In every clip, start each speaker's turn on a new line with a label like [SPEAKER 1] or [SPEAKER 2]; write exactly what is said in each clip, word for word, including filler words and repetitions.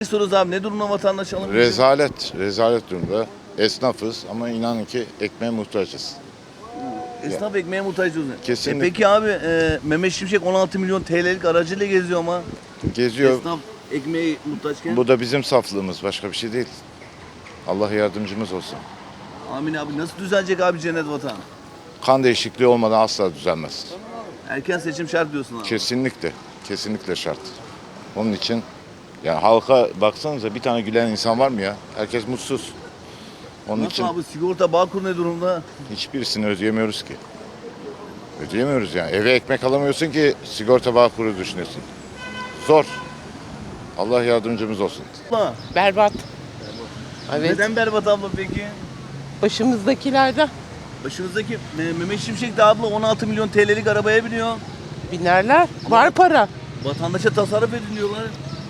[SPEAKER 1] Soruyoruz abi, ne durumda vatandaş alım gücü?
[SPEAKER 2] Rezalet, rezalet durumda. Esnafız ama inanın ki ekmeğe muhtaçız.
[SPEAKER 1] Esnaf ekmeğe muhtaç diyorsun.
[SPEAKER 2] Kesinlikle.
[SPEAKER 1] E peki abi, e, Mehmet Şimşek on altı milyon T L'lik aracıyla geziyor ama
[SPEAKER 2] Geziyor.
[SPEAKER 1] esnaf ekmeğe muhtaçken.
[SPEAKER 2] Bu da bizim saflığımız, başka bir şey değil. Allah yardımcımız olsun.
[SPEAKER 1] Amin abi, nasıl düzelecek abi cennet vatan?
[SPEAKER 2] Kan değişikliği olmadan asla düzelmez.
[SPEAKER 1] Erken seçim şart diyorsun abi.
[SPEAKER 2] Kesinlikle, kesinlikle şart. Onun için yani halka baksanıza, bir tane gülen insan var mı ya? Herkes mutsuz. Onun
[SPEAKER 1] Nasıl
[SPEAKER 2] için
[SPEAKER 1] abi, sigorta Bağkur ne durumda?
[SPEAKER 2] hiçbirisini ödeyemiyoruz ki. Ödeyemiyoruz yani. Eve ekmek alamıyorsun ki sigorta Bağkur'u düşünüyorsun. Zor. Allah yardımcımız olsun.
[SPEAKER 1] Abla,
[SPEAKER 3] Berbat. Evet.
[SPEAKER 1] neden berbat abla peki?
[SPEAKER 3] Başımızdakilerden
[SPEAKER 1] Başımızdaki e, Mehmet Şimşek de abla on altı milyon T L'lik arabaya biniyor.
[SPEAKER 3] binerler. Var para.
[SPEAKER 1] Vatandaşa tasarruf edin diyorlar.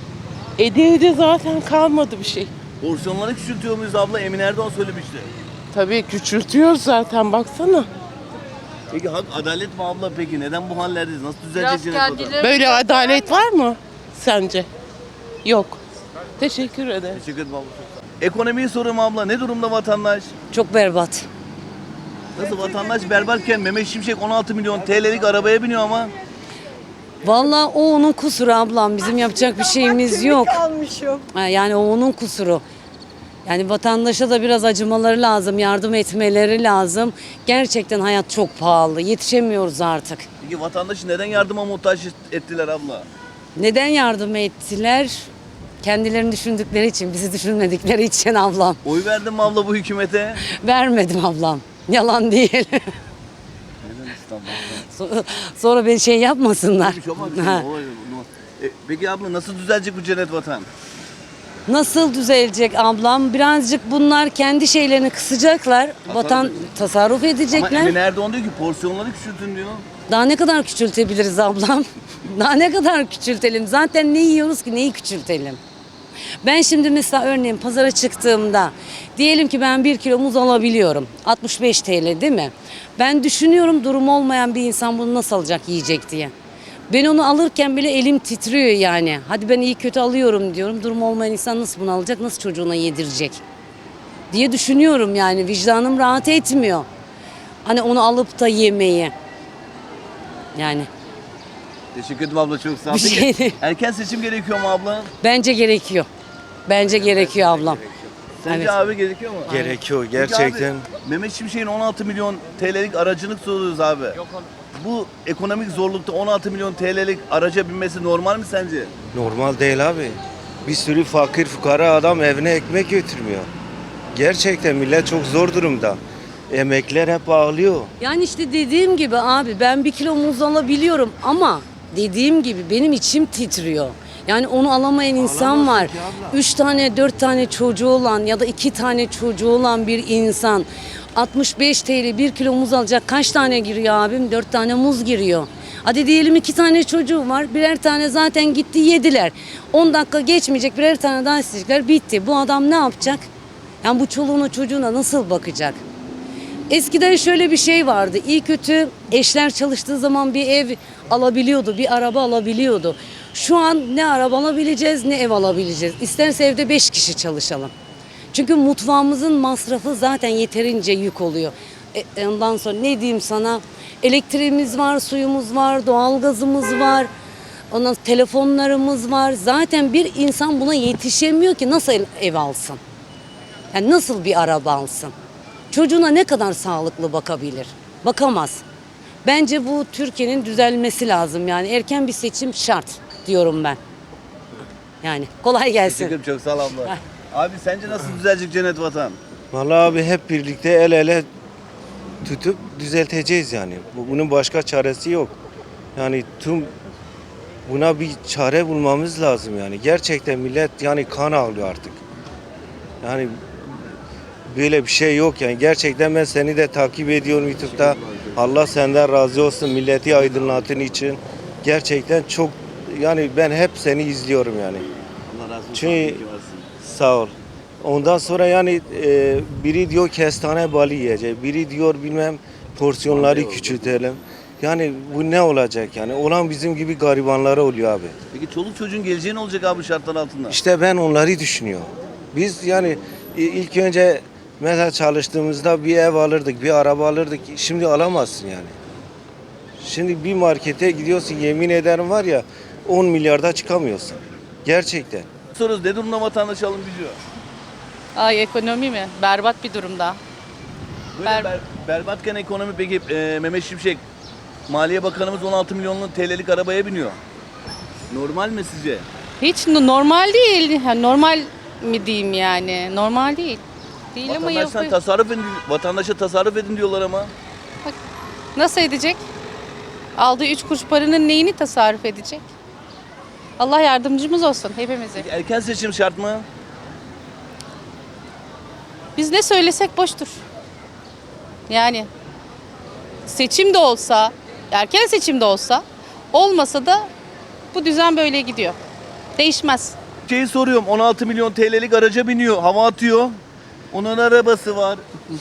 [SPEAKER 3] Ede ede zaten kalmadı bir şey.
[SPEAKER 1] Porsiyonları küçültüyor muyuz abla? Emin Erdoğan söylemişti.
[SPEAKER 3] Tabii küçültüyor zaten baksana.
[SPEAKER 1] Peki hak adalet mi abla peki? Neden bu hallerdeyiz? Nasıl düzelecek cennet vatan?
[SPEAKER 3] Böyle adalet var mı sence? Yok. Teşekkür ederim.
[SPEAKER 1] Teşekkür ederim abla. Ekonomiyi soruyorum abla. Ne durumda vatandaş?
[SPEAKER 4] Çok berbat.
[SPEAKER 1] Nasıl vatandaş berbatken Mehmet Şimşek on altı milyon T L'lik arabaya biniyor ama
[SPEAKER 4] Vallahi o onun kusuru ablam. Bizim yapacak bir şeyimiz yok. Ha, yani o onun kusuru. Yani vatandaşa da biraz acımaları lazım, yardım etmeleri lazım. Gerçekten hayat çok pahalı. Yetişemiyoruz artık.
[SPEAKER 1] peki vatandaşı neden yardıma muhtaç ettiler abla?
[SPEAKER 4] Neden yardım ettiler? Kendilerini düşündükleri için, bizi düşünmedikleri için ablam.
[SPEAKER 1] Oy verdin mi abla bu hükümete?
[SPEAKER 4] Vermedim ablam. Yalan değil.
[SPEAKER 1] Neden İstanbul'da?
[SPEAKER 4] So- Sonra beni şey yapmasınlar.
[SPEAKER 1] Bir şey olmaz, bir şey
[SPEAKER 4] Ha.
[SPEAKER 1] olmaz. O- o- E, Peki abla nasıl düzelecek bu cennet vatan?
[SPEAKER 4] Nasıl düzelecek ablam? Birazcık bunlar kendi şeylerini kısacaklar. Vatan tasarruf
[SPEAKER 1] Ama
[SPEAKER 4] edecekler.
[SPEAKER 1] Emin Erdoğan diyor ki porsiyonları küçültün diyor.
[SPEAKER 4] Daha ne kadar küçültebiliriz ablam? Daha ne kadar küçültelim? Zaten ne yiyoruz ki neyi küçültelim? Ben şimdi mesela örneğin pazara çıktığımda diyelim ki ben bir kilo muz alabiliyorum. altmış beş T L değil mi? Ben düşünüyorum durumu olmayan bir insan bunu nasıl alacak yiyecek diye. Ben onu alırken bile elim titriyor yani. Hadi ben iyi kötü alıyorum diyorum. Durumu olmayan insan nasıl bunu alacak, nasıl çocuğuna yedirecek diye düşünüyorum yani. Vicdanım rahat etmiyor. Hani onu alıp da yemeyi. Yani
[SPEAKER 1] Teşekkür ederim abla, çok sağ ol.
[SPEAKER 4] Bir
[SPEAKER 1] Peki,
[SPEAKER 4] şey değil.
[SPEAKER 1] erken seçim gerekiyor mu abla?
[SPEAKER 4] bence gerekiyor. Bence gerekiyor ablam.
[SPEAKER 1] Sence
[SPEAKER 4] Evet.
[SPEAKER 1] abi gerekiyor mu?
[SPEAKER 5] Gerekiyor
[SPEAKER 1] Peki
[SPEAKER 5] gerçekten.
[SPEAKER 1] abi, Mehmet Şimşek'in on altı milyon T L'lik aracını soruyoruz abi. Bu ekonomik zorlukta on altı milyon T L'lik araca binmesi normal mi sence?
[SPEAKER 5] Normal değil abi. Bir sürü fakir fukara adam evine ekmek götürmüyor. Gerçekten millet çok zor durumda. Emekler hep ağlıyor.
[SPEAKER 4] Yani işte dediğim gibi abi ben bir kilo muz alabiliyorum ama dediğim gibi benim içim titriyor. Yani onu alamayan insan var. Üç tane dört tane çocuğu olan ya da iki tane çocuğu olan bir insan altmış beş T L bir kilo muz alacak kaç tane giriyor abim? Dört tane muz giriyor. Hadi diyelim iki tane çocuğu var. Birer tane zaten gitti yediler. On dakika geçmeyecek birer tane daha isteyecekler. Bitti. Bu adam ne yapacak? Yani bu çoluğuna çocuğuna nasıl bakacak? Eskiden şöyle bir şey vardı. İyi kötü eşler çalıştığı zaman bir ev alabiliyordu, bir araba alabiliyordu. Şu an ne araba alabileceğiz ne ev alabileceğiz. İsterse evde beş kişi çalışalım. Çünkü mutfağımızın masrafı zaten yeterince yük oluyor. E, ondan sonra ne diyeyim sana? Elektriğimiz var, suyumuz var, doğalgazımız var. Ondan sonra telefonlarımız var. Zaten bir insan buna yetişemiyor ki nasıl ev alsın? Yani nasıl bir araba alsın? Çocuğuna ne kadar sağlıklı bakabilir? Bakamaz. Bence bu Türkiye'nin düzelmesi lazım. Yani erken bir seçim şart diyorum ben. Yani kolay gelsin.
[SPEAKER 1] Teşekkür ederim, çok sağ ol abla. Abi sence nasıl düzelecek cennet vatan?
[SPEAKER 5] Vallahi abi hep birlikte el ele tutup düzelteceğiz yani. Bu- Bunun başka çaresi yok. Yani tüm buna bir çare bulmamız lazım yani. Gerçekten millet yani kan ağlıyor artık. Yani böyle bir şey yok yani. Gerçekten ben seni de takip ediyorum YouTube'da. Allah senden razı olsun, milleti aydınlatın için. Gerçekten çok yani ben hep seni izliyorum yani.
[SPEAKER 1] Allah razı olsun.
[SPEAKER 5] Çünkü-
[SPEAKER 1] iyi ki varsın.
[SPEAKER 5] Sağ ol. Ondan sonra yani e, biri diyor kestane balı yiyecek, biri diyor bilmem porsiyonları küçültelim. Yani bu ne olacak yani? Olan bizim gibi garibanlara oluyor abi.
[SPEAKER 1] Peki çoluk çocuğun geleceği ne olacak abi şartlar altında?
[SPEAKER 5] İşte ben onları düşünüyorum. Biz yani i- ilk önce mesela çalıştığımızda bir ev alırdık, bir araba alırdık. Şimdi alamazsın yani. Şimdi bir markete gidiyorsun, yemin ederim var ya on milyarda çıkamıyorsun. Gerçekten.
[SPEAKER 1] Soruyoruz, ne durumda vatandaş alım gücü?
[SPEAKER 6] Ay ekonomi mi? Berbat bir durumda.
[SPEAKER 1] Böyle
[SPEAKER 6] Ber-
[SPEAKER 1] ber, berbatken ekonomi peki e, Mehmet Şimşek, Maliye Bakanımız on altı milyonlu T L'lik arabaya biniyor. Normal mi sizce?
[SPEAKER 6] Hiç n- normal değil. Ha, normal mi diyeyim yani? Normal değil. Değil ama
[SPEAKER 1] Vatandaştan
[SPEAKER 6] yapıyor.
[SPEAKER 1] tasarruf edin, vatandaşa tasarruf edin diyorlar ama.
[SPEAKER 6] Nasıl edecek? Aldığı üç kuruş paranın neyini tasarruf edecek? Allah yardımcımız olsun hepimize.
[SPEAKER 1] Erken seçim şart mı?
[SPEAKER 6] Biz ne söylesek boştur. Yani seçim de olsa, erken seçim de olsa, olmasa da bu düzen böyle gidiyor. Değişmez.
[SPEAKER 1] Şeyi soruyorum, on altı milyon T L'lik araca biniyor, hava atıyor. Onun arabası var.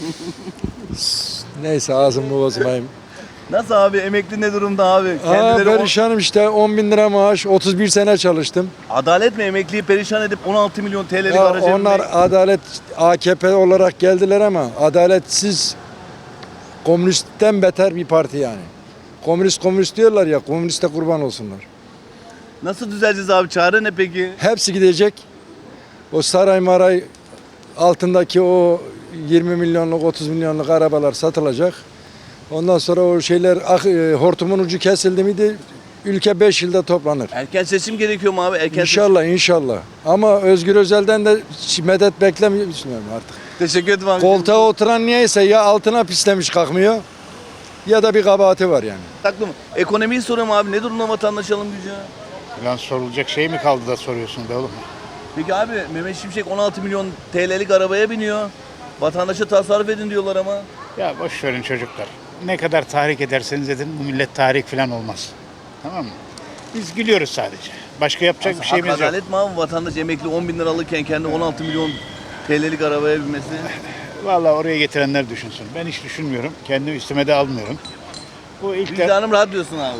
[SPEAKER 7] Neyse ağzımı bozmayayım.
[SPEAKER 1] Nasıl abi, emekli ne durumda abi?
[SPEAKER 7] Aa,
[SPEAKER 1] Kendileri on-
[SPEAKER 7] perişanım işte on bin lira maaş, otuz bir sene çalıştım.
[SPEAKER 1] Adalet mi emekliyi perişan edip on altı milyon T L'lik
[SPEAKER 7] Ya
[SPEAKER 1] araca
[SPEAKER 7] onlar
[SPEAKER 1] binmek?
[SPEAKER 7] adalet A K P olarak geldiler ama adaletsiz, komünistten beter bir parti yani. Komünist komünist diyorlar ya, komüniste kurban olsunlar.
[SPEAKER 1] Nasıl düzeleceğiz abi? Çare ne peki?
[SPEAKER 7] Hepsi gidecek. O saray maray altındaki o yirmi milyonluk otuz milyonluk arabalar satılacak. Ondan sonra o şeyler ah, e, hortumun ucu kesildi miydi ülke beş yılda toplanır.
[SPEAKER 1] Erken seçim gerekiyor mu abi? Erken
[SPEAKER 7] İnşallah inşallah. Ama Özgür Özel'den de medet beklemiyorum artık.
[SPEAKER 1] seçim. Teşekkür ederim abi.
[SPEAKER 7] Koltuğa oturan niyeyse ya altına pislemiş kalkmıyor ya da bir kabahati var yani.
[SPEAKER 1] Haklı mı? Ekonomiyi soruyorum abi. Ne durumda vatandaş alım gücü?
[SPEAKER 8] Lan sorulacak şey mi kaldı da soruyorsun be oğlum?
[SPEAKER 1] Peki abi Mehmet Şimşek on altı milyon T L'lik arabaya biniyor. Vatandaşa tasarruf edin diyorlar ama.
[SPEAKER 8] Ya boş verin çocuklar. Ne kadar tahrik ederseniz edin bu millet tahrik falan olmaz. Tamam mı? Biz gülüyoruz sadece. Başka yapacak bir şeyimiz
[SPEAKER 1] Hak
[SPEAKER 8] yok.
[SPEAKER 1] adalet mi abi? Vatandaş emekli on bin lira alırken kendi on altı milyon T L'lik arabaya binmesi.
[SPEAKER 8] Vallahi oraya getirenler düşünsün. Ben hiç düşünmüyorum. Kendim üstüme de almıyorum. Bu ilk de,
[SPEAKER 1] Vicdanım rahat diyorsun abi.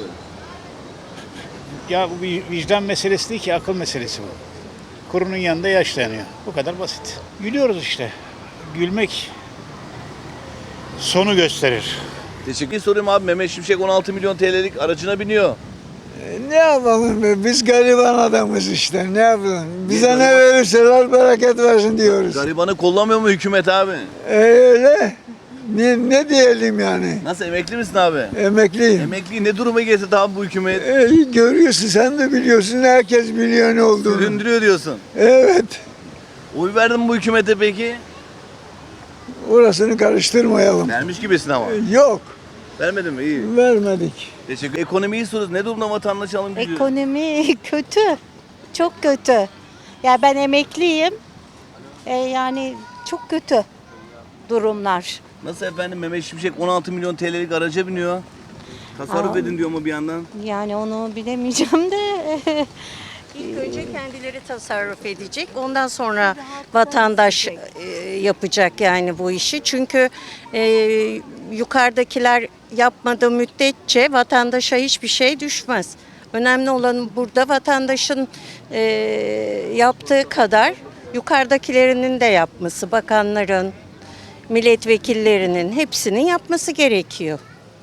[SPEAKER 8] ya bu bir vicdan meselesi değil ki akıl meselesi bu. Kurunun yanında yaş dayanıyor. Bu kadar basit. Gülüyoruz işte. Gülmek sonu gösterir.
[SPEAKER 1] Teşekkür soruyorum abi. Mehmet Şimşek on altı milyon T L'lik aracına biniyor.
[SPEAKER 9] Ne yapalım be? Biz gariban adamız işte. Ne yapalım? Bize ne verirseler bereket versin diyoruz.
[SPEAKER 1] Garibanı kollamıyor mu hükümet abi?
[SPEAKER 9] E, öyle. Ne, ne diyelim yani?
[SPEAKER 1] Nasıl, emekli misin abi?
[SPEAKER 9] Emekliyim.
[SPEAKER 1] Emekliyi ne duruma getirdi abi bu hükümet?
[SPEAKER 9] E, görüyorsun, sen de biliyorsun. Herkes biliyor ne olduğunu.
[SPEAKER 1] Süründürüyor diyorsun.
[SPEAKER 9] Evet.
[SPEAKER 1] Oy verdin mi bu hükümete peki?
[SPEAKER 9] Orasını karıştırmayalım.
[SPEAKER 1] Vermiş gibisin ama.
[SPEAKER 9] Yok.
[SPEAKER 1] Vermedin mi? İyi.
[SPEAKER 9] Vermedik.
[SPEAKER 1] Teşekkür. Ekonomiyi soruyoruz. Ne durumda vatandaş alım gücü?
[SPEAKER 10] Ekonomi kötü. Çok kötü. Ya ben emekliyim. E, yani çok kötü durumlar.
[SPEAKER 1] Nasıl efendim, Mehmet Şimşek on altı milyon T L'lik araca biniyor. Tasarruf
[SPEAKER 10] Aa.
[SPEAKER 1] edin diyor mu bir yandan?
[SPEAKER 10] Yani onu bilemeyeceğim de. İlk önce kendileri tasarruf edecek. Ondan sonra vatandaş e, yapacak yani bu işi. Çünkü e, yukarıdakiler yapmadığı müddetçe vatandaşa hiçbir şey düşmez. Önemli olan burada vatandaşın e, yaptığı kadar yukarıdakilerinin de yapması, bakanların, milletvekillerinin hepsinin yapması gerekiyor.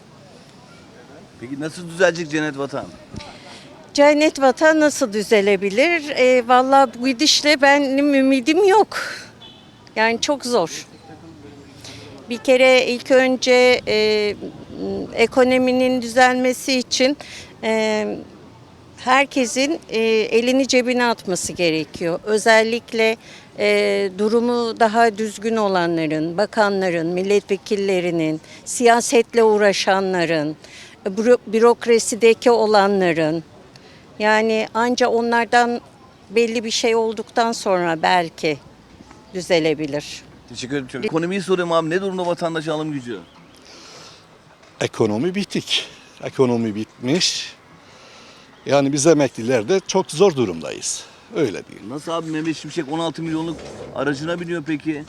[SPEAKER 1] Peki nasıl düzelecek cennet vatan?
[SPEAKER 10] Cennet vatan nasıl düzelebilir? E, vallahi bu gidişle benim ümidim yok. Yani çok zor. Bir kere ilk önce e, ekonominin düzelmesi için e, herkesin e, elini cebine atması gerekiyor. Özellikle e, durumu daha düzgün olanların, bakanların, milletvekillerinin, siyasetle uğraşanların, büro- bürokrasideki olanların, yani anca onlardan belli bir şey olduktan sonra belki düzelebilir.
[SPEAKER 1] Teşekkür ederim. Çok. Ekonomiyi soruyorum abi. Ne durumda vatandaş alım gücü?
[SPEAKER 11] Ekonomi bitik. Ekonomi bitmiş. Yani biz emekliler de çok zor durumdayız. Öyle değil.
[SPEAKER 1] Nasıl abi, Mehmet Şimşek on altı milyonluk aracına biniyor peki?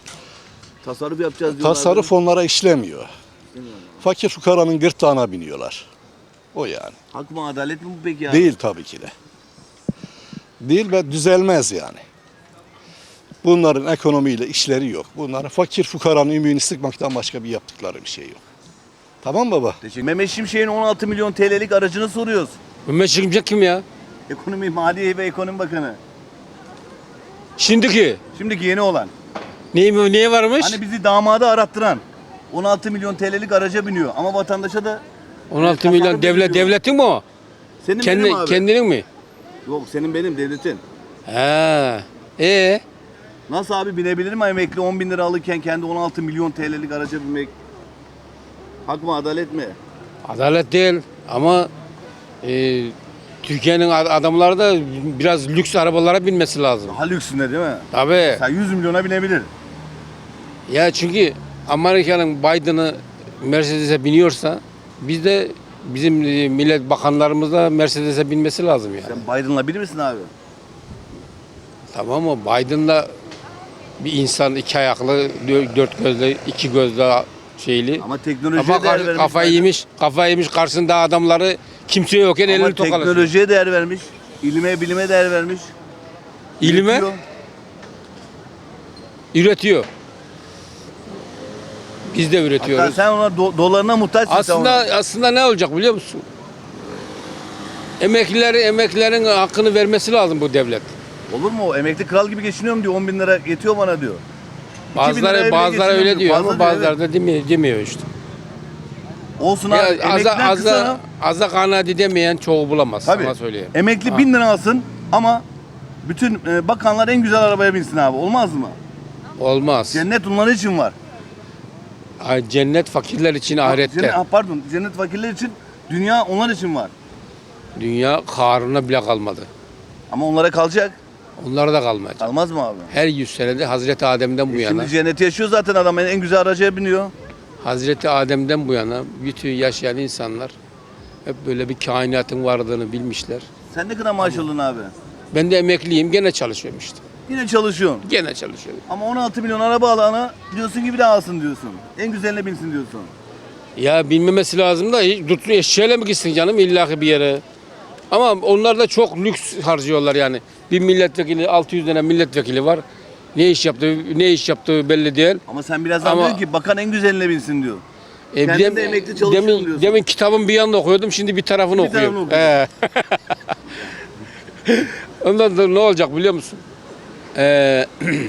[SPEAKER 1] Tasarruf yapacağız diyorlar.
[SPEAKER 11] Tasarruf onlara işlemiyor. Fakir fukaranın gırtlağına biniyorlar. O yani.
[SPEAKER 1] Hak mı adalet mi bu peki abi?
[SPEAKER 11] Değil tabii ki de. Değil ve düzelmez yani. Bunların ekonomiyle işleri yok. Bunların fakir fukaranın ümüğünü sıkmaktan başka bir yaptıkları bir şey yok. Tamam baba?
[SPEAKER 1] Teşekkür. Mehmet Şimşek'in on altı milyon T L'lik aracını soruyoruz.
[SPEAKER 12] Mehmet Şimşek kim ya?
[SPEAKER 1] Ekonomi, Maliye ve Ekonomi Bakanı.
[SPEAKER 12] Şimdiki.
[SPEAKER 1] Şimdiki yeni olan.
[SPEAKER 12] Neyi, neye varmış?
[SPEAKER 1] Hani bizi damada arattıran. on altı milyon T L'lik araca biniyor ama vatandaşa da
[SPEAKER 12] on altı milyon devlet devletin mi o?
[SPEAKER 1] senin
[SPEAKER 12] Kendi,
[SPEAKER 1] benim abi.
[SPEAKER 12] kendinin mi?
[SPEAKER 1] Yok senin benim devletin.
[SPEAKER 12] He. E
[SPEAKER 1] Nasıl abi binebilir mi emekli on bin lira alırken kendi on altı milyon T L'lik araca binmek? Hak mı adalet mi?
[SPEAKER 12] adalet değil ama e, Türkiye'nin ad- adamları da biraz lüks arabalara binmesi lazım.
[SPEAKER 1] Daha lüksünde değil mi?
[SPEAKER 12] Tabii.
[SPEAKER 1] Sen yüz milyona binebilir.
[SPEAKER 12] Ya çünkü Amerika'nın Biden'ı Mercedes'e biniyorsa biz de bizim e, millet bakanlarımız da Mercedes'e binmesi lazım yani.
[SPEAKER 1] Sen Biden'la biri misin abi?
[SPEAKER 12] Tamam mı? Biden'da bir insan iki ayaklı, dö- dört gözlü, iki gözlü şeyli.
[SPEAKER 1] Ama teknolojiye
[SPEAKER 12] Ama
[SPEAKER 1] değer
[SPEAKER 12] kar-
[SPEAKER 1] vermiş.
[SPEAKER 12] kafayı
[SPEAKER 1] Biden.
[SPEAKER 12] yemiş, kafayı yemiş karşısında adamları kimse yokken
[SPEAKER 1] Ama
[SPEAKER 12] elini tokalasın.
[SPEAKER 1] teknolojiye değer vermiş. İlime bilime değer vermiş.
[SPEAKER 12] İlime
[SPEAKER 1] Üretiyor.
[SPEAKER 12] üretiyor. Biz de
[SPEAKER 1] Hatta
[SPEAKER 12] üretiyoruz.
[SPEAKER 1] sen ona do- dolarına muhtaçsın sen
[SPEAKER 12] Aslında
[SPEAKER 1] ona.
[SPEAKER 12] aslında ne olacak biliyor musun? Emeklileri emeklilerin hakkını vermesi lazım bu devlet.
[SPEAKER 1] Olur mu o? Emekli kral gibi geçiniyorum diyor. on bin lira yetiyor bana diyor.
[SPEAKER 12] Bazıları
[SPEAKER 1] liraya bile
[SPEAKER 12] bazıları öyle
[SPEAKER 1] geçiniyorum
[SPEAKER 12] diyor
[SPEAKER 1] diyor.
[SPEAKER 12] ama
[SPEAKER 1] Bazıları
[SPEAKER 12] bazıları da demiyor, demiyor işte.
[SPEAKER 1] Olsun
[SPEAKER 12] Ya
[SPEAKER 1] abi.
[SPEAKER 12] aza
[SPEAKER 1] Emekliden
[SPEAKER 12] aza
[SPEAKER 1] kısana.
[SPEAKER 12] aza kanaat edemeyen çoğu bulamaz.
[SPEAKER 1] Tabii.
[SPEAKER 12] Sana söyleyeyim.
[SPEAKER 1] Emekli
[SPEAKER 12] Ha.
[SPEAKER 1] bin lira alsın ama bütün e, bakanlar en güzel arabaya binsin abi. Olmaz mı?
[SPEAKER 12] Olmaz.
[SPEAKER 1] Cennet onların için var.
[SPEAKER 12] Ay, cennet fakirler için ahirette.
[SPEAKER 1] Cennet, ah, pardon. Cennet fakirler için, dünya onlar için var.
[SPEAKER 12] Dünya karına bile kalmadı.
[SPEAKER 1] Ama onlara kalacak.
[SPEAKER 12] Onlara da kalmayacak.
[SPEAKER 1] Kalmaz mı abi?
[SPEAKER 12] Her yüz senede Hazreti Adem'den bu
[SPEAKER 1] E
[SPEAKER 12] yana,
[SPEAKER 1] Şimdi cenneti yaşıyor zaten adam. En güzel araca biniyor.
[SPEAKER 12] Hazreti Adem'den bu yana bütün yaşayan insanlar hep böyle bir kainatın varlığını bilmişler.
[SPEAKER 1] Sen ne kadar maaş alıyorsun abi?
[SPEAKER 12] Ben de emekliyim, gene çalışıyorum işte.
[SPEAKER 1] Yine çalışıyorsun.
[SPEAKER 12] Gene çalışıyorum.
[SPEAKER 1] Ama on altı milyon araba alana diyorsun ki bir daha alsın diyorsun. En güzeline binsin diyorsun.
[SPEAKER 12] Ya bilmemesi lazım da hiç tutun eşeğiyle mi gitsin canım illaki bir yere? Ama onlar da çok lüks harcıyorlar yani. Bir milletvekili, altı yüz tane milletvekili var. Ne iş yaptığı, ne iş yaptığı belli değil.
[SPEAKER 1] Ama sen birazdan
[SPEAKER 12] Ama-
[SPEAKER 1] diyorsun ki bakan en güzeline binsin diyor.
[SPEAKER 12] E,
[SPEAKER 1] Kendim
[SPEAKER 12] dem-
[SPEAKER 1] de emekli çalışıyorum
[SPEAKER 12] demin,
[SPEAKER 1] diyorsun.
[SPEAKER 12] demin kitabın bir yanında okuyordum, şimdi bir tarafını
[SPEAKER 1] Bir tarafını
[SPEAKER 12] okuyorum. He. Ondan sonra ne olacak biliyor musun? Ee,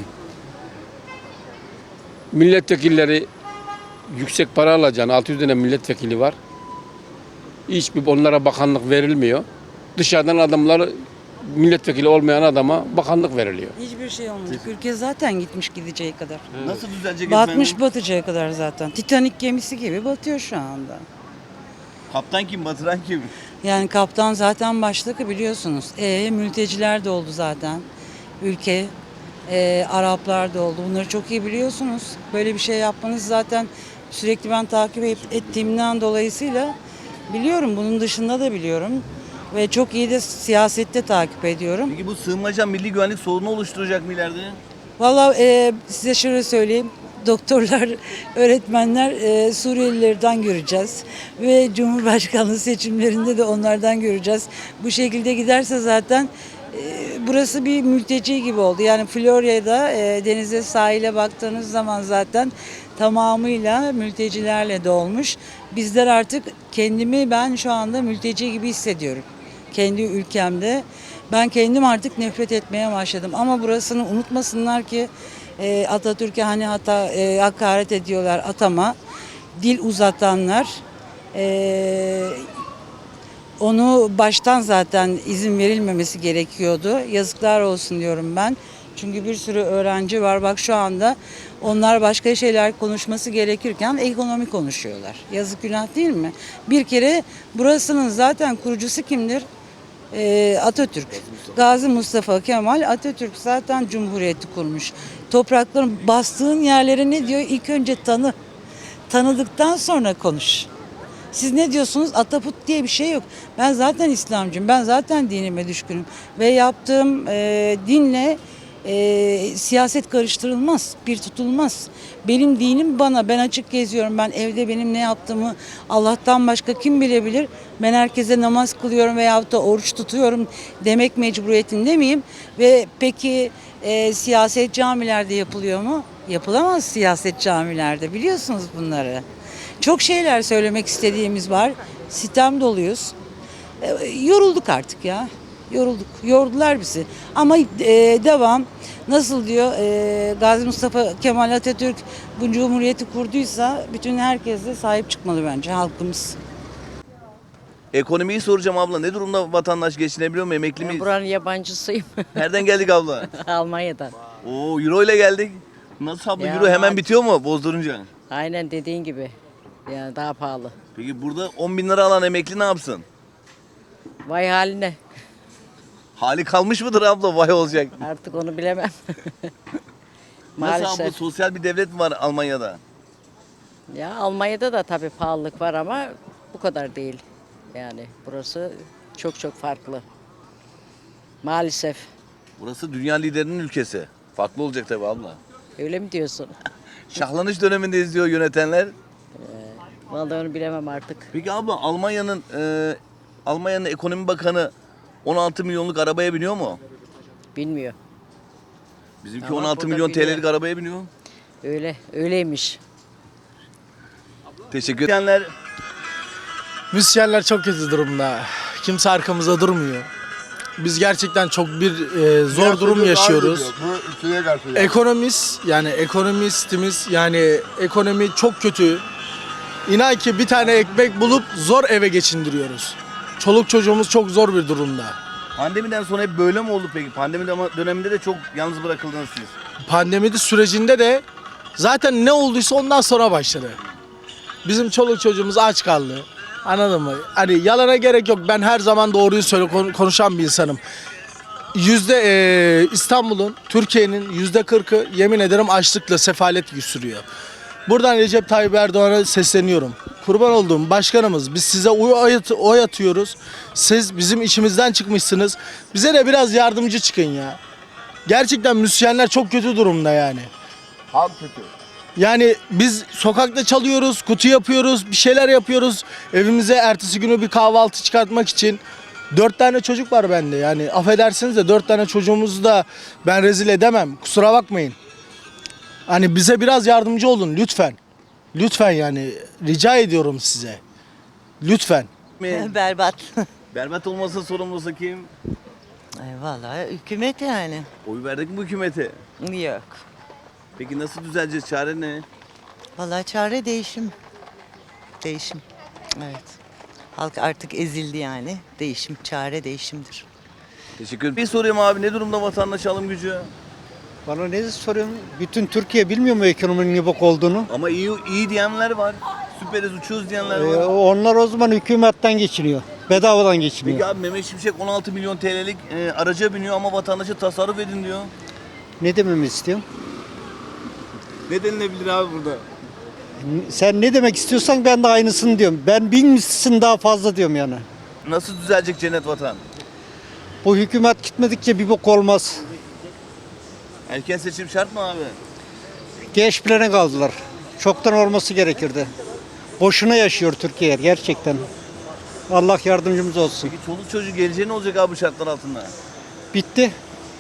[SPEAKER 12] milletvekilleri yüksek para alacağını, altı yüz tane milletvekili var. Hiçbir onlara bakanlık verilmiyor. Dışarıdan adamlar milletvekili olmayan adama bakanlık veriliyor.
[SPEAKER 13] Hiçbir şey olmayacak. Ülke zaten gitmiş gideceği kadar.
[SPEAKER 1] Nasıl düzelecek
[SPEAKER 13] Batmış
[SPEAKER 1] efendim?
[SPEAKER 13] batacağı kadar zaten. Titanik gemisi gibi batıyor şu anda.
[SPEAKER 1] Kaptan kim, batıran kim?
[SPEAKER 13] Yani kaptan zaten başlık biliyorsunuz. E, mülteciler de oldu zaten. Ülke, e, Araplar da oldu. Bunları çok iyi biliyorsunuz. Böyle bir şey yapmanız zaten sürekli ben takip et- ettiğimden dolayısıyla biliyorum. Bunun dışında da biliyorum. Ve çok iyi de siyasette takip ediyorum.
[SPEAKER 1] Peki bu sığınmacı milli güvenlik sorunu oluşturacak mı ileride?
[SPEAKER 13] Vallahi e, size şöyle söyleyeyim. Doktorlar, öğretmenler e, Suriyelilerden göreceğiz. Ve Cumhurbaşkanlığı seçimlerinde de onlardan göreceğiz. Bu şekilde giderse zaten e, burası bir mülteci gibi oldu. Yani Florya'da e, denize, sahile baktığınız zaman zaten tamamıyla mültecilerle dolmuş. Bizler artık kendimi ben şu anda mülteci gibi hissediyorum. Kendi ülkemde. Ben kendim artık nefret etmeye başladım. Ama burasını unutmasınlar ki e, Atatürk'e hani hata e, hakaret ediyorlar atama. Dil uzatanlar e, onu baştan zaten izin verilmemesi gerekiyordu. Yazıklar olsun diyorum ben. Çünkü bir sürü öğrenci var. Bak şu anda onlar başka şeyler konuşması gerekirken ekonomi konuşuyorlar. Yazık günah değil mi? Bir kere burasının zaten kurucusu kimdir? Ee, Atatürk. Gazi Mustafa Kemal Atatürk zaten cumhuriyeti kurmuş. Toprakların bastığın yerlere ne diyor? İlk önce tanı. Tanıdıktan sonra konuş. Siz ne diyorsunuz? Ataput diye bir şey yok. Ben zaten İslamcıyım. Ben zaten dinime düşkünüm. Ve yaptığım e, dinle e, siyaset karıştırılmaz, bir tutulmaz. Benim dinim bana, ben açık geziyorum. Ben evde benim ne yaptığımı Allah'tan başka kim bilebilir? Ben herkese namaz kılıyorum veyahut da oruç tutuyorum demek mecburiyetinde miyim? Ve peki e, siyaset camilerde yapılıyor mu? Yapılamaz siyaset camilerde, biliyorsunuz bunları. Çok şeyler söylemek istediğimiz var. Sitem doluyuz. E, yorulduk artık ya. Yorulduk. Yordular bizi. Ama e, devam. Nasıl diyor e, Gazi Mustafa Kemal Atatürk bu cumhuriyeti kurduysa bütün herkes de sahip çıkmalı bence halkımız.
[SPEAKER 1] Ekonomiyi soracağım abla. Ne durumda vatandaş geçinebiliyor mu? Emekli miyiz?
[SPEAKER 4] Buranın yabancısıyım.
[SPEAKER 1] Nereden geldik abla?
[SPEAKER 4] Almanya'dan.
[SPEAKER 1] Oo, euro ile geldik. Nasıl abla?
[SPEAKER 4] Ya
[SPEAKER 1] Euro hemen
[SPEAKER 4] bak.
[SPEAKER 1] bitiyor mu bozdurunca?
[SPEAKER 4] Aynen dediğin gibi. Yani daha pahalı.
[SPEAKER 1] Peki burada on bin lira alan emekli ne yapsın?
[SPEAKER 4] Vay haline.
[SPEAKER 1] Hali kalmış mıdır abla? Vay olacak.
[SPEAKER 4] Artık onu bilemem.
[SPEAKER 1] Nasıl abla?
[SPEAKER 4] Maalesef.
[SPEAKER 1] Sosyal bir devlet mi var Almanya'da?
[SPEAKER 4] Ya Almanya'da da tabii pahalılık var ama bu kadar değil. Yani burası çok çok farklı. Maalesef.
[SPEAKER 1] Burası dünya liderinin ülkesi. Farklı olacak tabii abla.
[SPEAKER 4] Öyle mi diyorsun?
[SPEAKER 1] Şahlanış döneminde izliyor yönetenler.
[SPEAKER 4] Vallahi onu bilemem artık.
[SPEAKER 1] Peki abla Almanya'nın e, Almanya'nın ekonomi bakanı on altı milyonluk arabaya biniyor mu?
[SPEAKER 4] Bilmiyor.
[SPEAKER 1] Bizimki
[SPEAKER 4] Ama
[SPEAKER 1] on altı
[SPEAKER 4] burada
[SPEAKER 1] milyon
[SPEAKER 4] biniyor.
[SPEAKER 1] T L'lik arabaya biniyor.
[SPEAKER 4] Öyle, öyleymiş.
[SPEAKER 1] Teşekkür edenler.
[SPEAKER 14] Müzisyenler çok kötü durumda. Kimse arkamızda durmuyor. Biz gerçekten çok bir e, zor durum yaşıyoruz. Ekonomist yani ekonomistimiz yani ekonomi çok kötü. İnan ki bir tane ekmek bulup zor eve geçindiriyoruz. Çoluk çocuğumuz çok zor bir durumda.
[SPEAKER 1] Pandemiden sonra hep böyle mi oldu peki? Pandemi döneminde de çok yalnız bırakıldınız siz.
[SPEAKER 14] Pandemi sürecinde de zaten ne olduysa ondan sonra başladı. Bizim çoluk çocuğumuz aç kaldı. Anladın mı? Hani yalana gerek yok. Ben her zaman doğruyu söyle konuşan bir insanım. Yüzde e, İstanbul'un, Türkiye'nin yüzde kırkı yemin ederim açlıkla sefalet sürüyor. Buradan Recep Tayyip Erdoğan'a sesleniyorum. Kurban olduğum başkanımız, biz size oy, at, oy atıyoruz. Siz bizim içimizden çıkmışsınız. Bize de biraz yardımcı çıkın ya. Gerçekten müzisyenler çok kötü durumda yani.
[SPEAKER 1] Halk kötü.
[SPEAKER 14] Yani biz sokakta çalıyoruz, kutu yapıyoruz, bir şeyler yapıyoruz. Evimize ertesi günü bir kahvaltı çıkartmak için. Dört tane çocuk var bende yani affedersiniz de dört tane çocuğumuzu da ben rezil edemem. Kusura bakmayın. Hani bize biraz yardımcı olun lütfen. Lütfen yani rica ediyorum size. Lütfen.
[SPEAKER 15] Berbat.
[SPEAKER 1] Berbat olmasa sorumlusu kim?
[SPEAKER 15] Ay vallahi hükümet yani.
[SPEAKER 1] Oy verdik mi bu hükümete?
[SPEAKER 15] Yok.
[SPEAKER 1] Peki nasıl düzeleceğiz? Çare ne?
[SPEAKER 15] Vallahi çare değişim. Değişim. Evet. Halk artık ezildi yani. Değişim, çare değişimdir.
[SPEAKER 1] Teşekkür ederim. Bir sorayım abi, ne durumda vatandaş alım gücü?
[SPEAKER 16] Bana ne soruyorsun? Bütün Türkiye bilmiyor mu ekonominin ne bok olduğunu?
[SPEAKER 1] Ama iyi iyi diyenler var. Süperiz uçuyoruz diyenler
[SPEAKER 16] Ee,
[SPEAKER 1] var.
[SPEAKER 16] onlar o zaman hükümetten geçiniyor. Bedavadan geçiniyor.
[SPEAKER 1] Peki abi Mehmet Şimşek on altı milyon T L'lik e, araca biniyor ama vatandaşa tasarruf edin diyor.
[SPEAKER 16] Ne dememi istiyorsun?
[SPEAKER 1] Ne denilebilir abi burada?
[SPEAKER 16] Sen ne demek istiyorsan ben de aynısını diyorum. Ben bin mislisin daha fazla diyorum yani.
[SPEAKER 1] Nasıl düzelecek cennet vatan?
[SPEAKER 16] Bu hükümet gitmedikçe bir bok olmaz.
[SPEAKER 1] Erken seçim şart mı abi?
[SPEAKER 16] Geç plana kaldılar. Çoktan olması gerekirdi. Boşuna yaşıyor Türkiye gerçekten. Allah yardımcımız olsun.
[SPEAKER 1] Peki çoluk çocuk geleceği ne olacak abi bu şartlar altında?
[SPEAKER 16] Bitti.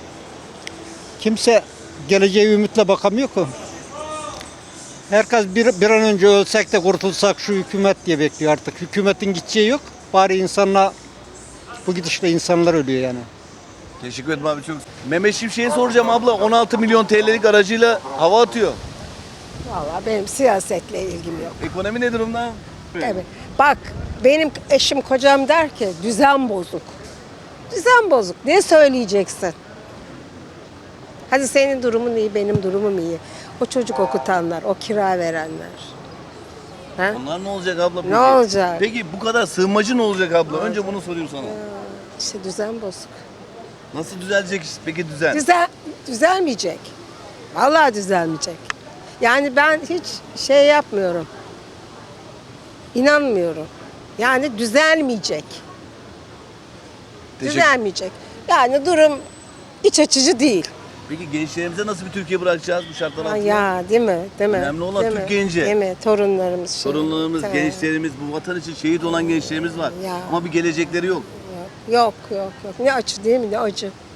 [SPEAKER 16] Kimse geleceğe ümitle bakamıyor ki. Herkes bir, bir an önce ölsek de kurtulsak şu hükümet diye bekliyor artık. Hükümetin gideceği yok. Bari insanla bu gidişle insanlar ölüyor yani.
[SPEAKER 1] Teşekkür ederim abi çok. Mehmet Şimşek'e soracağım abla on altı milyon T L'lik aracıyla hava atıyor.
[SPEAKER 17] Vallahi benim siyasetle ilgim yok.
[SPEAKER 1] Ekonomi ne durumda?
[SPEAKER 17] Evet. Bak benim eşim kocam der ki düzen bozuk. Düzen bozuk. Ne söyleyeceksin? Hadi senin durumun iyi, benim durumum iyi. O çocuk okutanlar, o kira verenler. Ha?
[SPEAKER 1] Onlar ne olacak abla peki?
[SPEAKER 17] Ne olacak?
[SPEAKER 1] Peki bu kadar sığınmacı ne olacak abla? Önce bunu sorayım sana.
[SPEAKER 17] İşte düzen bozuk.
[SPEAKER 1] Nasıl düzelecek peki düzen?
[SPEAKER 17] Düzel, düzelmeyecek. Vallahi düzelmeyecek. Yani ben hiç şey yapmıyorum. İnanmıyorum. Yani düzelmeyecek.
[SPEAKER 1] Teşekkür-
[SPEAKER 17] Düzelmeyecek. Yani durum iç açıcı değil.
[SPEAKER 1] Peki gençlerimize nasıl bir Türkiye bırakacağız bu şartlar
[SPEAKER 17] Ha,
[SPEAKER 1] altında?
[SPEAKER 17] ya değil mi? Değil mi?
[SPEAKER 1] Önemli olan
[SPEAKER 17] Değil
[SPEAKER 1] Türk
[SPEAKER 17] mi?
[SPEAKER 1] genci.
[SPEAKER 17] Değil mi? Torunlarımız. şey.
[SPEAKER 1] Sorunlarımız,
[SPEAKER 17] Tamam.
[SPEAKER 1] gençlerimiz, bu vatan için şehit olan gençlerimiz var.
[SPEAKER 17] Ya.
[SPEAKER 1] Ama bir gelecekleri yok.
[SPEAKER 17] Yok yok yok. Ne acı değil mi? Ne acı.